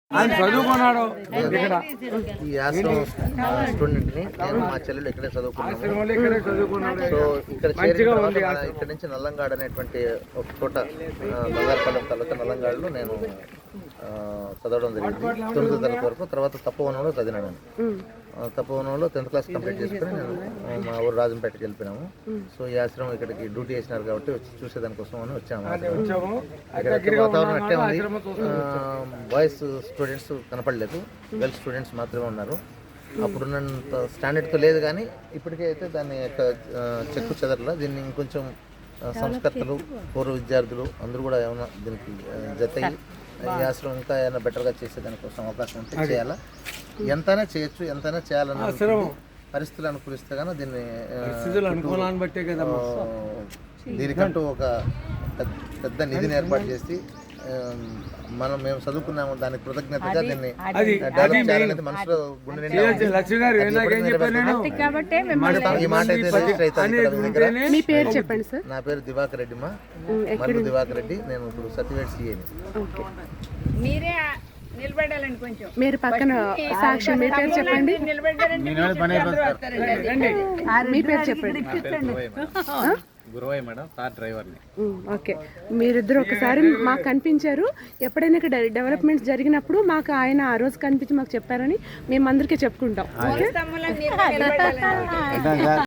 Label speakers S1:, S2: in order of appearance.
S1: ఆయన చదువుకున్నాడు ఇక్కడ
S2: ఈ ఆశ్రమం స్టూడెంట్ ని నేను మా చెల్లెలు ఇక్కడే చదువుకున్నాను.
S1: ఇక్కడే చదువుకున్నాడు.
S2: సో ఇక్కడ చేరిన తర్వాత ఇక్కడ నుంచి నల్లంగాడ్ అనేటువంటి ఒక చోట బంగారపల్లి తాలూకా నల్లంగాడ్లో నేను చదవడం జరిగింది 9వ తరగతి వరకు. తర్వాత తపోవనంలో చదివినాను. తపోవనంలో 10th క్లాస్ కంప్లీట్ చేసుకుని నేను మా ఊరు రాజంపేటకి వెళ్ళిపోయినాము. సో ఈ ఆశ్రమం ఇక్కడికి డ్యూటీ చేసినారు కాబట్టి వచ్చి చూసేదానికోసం అని వచ్చాము. ఇక్కడ వాతావరణం అట్టే ఉంది. బాయ్స్ స్టూడెంట్స్ కనపడలేదు, గర్ల్స్ స్టూడెంట్స్ మాత్రమే ఉన్నారు. అప్పుడున్నంత స్టాండర్డ్తో లేదు, కానీ ఇప్పటికే అయితే దాని యొక్క చెక్కు చెదరలా దీన్ని ఇంకొంచెం సంస్కర్తలు, పూర్వ విద్యార్థులు అందరూ కూడా ఏమైనా దీనికి జతయి ఈ ఆశ్రమం ఇంకా ఏమైనా బెటర్గా చేసేదానికోసం అవకాశం ఉంటే చేయాలా. ఎంతైనా చేయొచ్చు, ఎంతైనా చేయాలన్న పరిస్థితులు అనుకూలిస్తే కానీ దీన్ని దీనికంటూ ఒక పెద్ద నిధిని ఏర్పాటు చేసి మేము చదువుకున్నాము, దానికి కృతజ్ఞతగా దీన్ని డెవలప్ చేయాలనేది మనసులో గుండె నిండా ఈ మాట అయితే రిజిస్టర్ అవుతుంది.
S3: మీ పేరు చెప్పండి సార్.
S2: నా పేరు దివాకర్ రెడ్డి, మల్లు దివాకర్ రెడ్డి. నేను ఇప్పుడు సర్టిఫికేట్ సిఏని.
S4: మీరే నిలబడాలండి కొంచెం.
S3: మీరు పక్కన సాక్షి మీ పేరు చెప్పండి. మీ పేరు చెప్పండి.
S5: గురువయ్య మేడం, కార్ డ్రైవర్ని.
S3: ఓకే, మీరిద్దరు ఒకసారి మాకు కనిపించారు. ఎప్పుడైనా ఇక్కడ డెవలప్మెంట్స్ జరిగినప్పుడు మాకు ఆయన ఆ రోజు కనిపించి మాకు చెప్పారని మేము అందరికీ చెప్పుకుంటాం. ఓకే.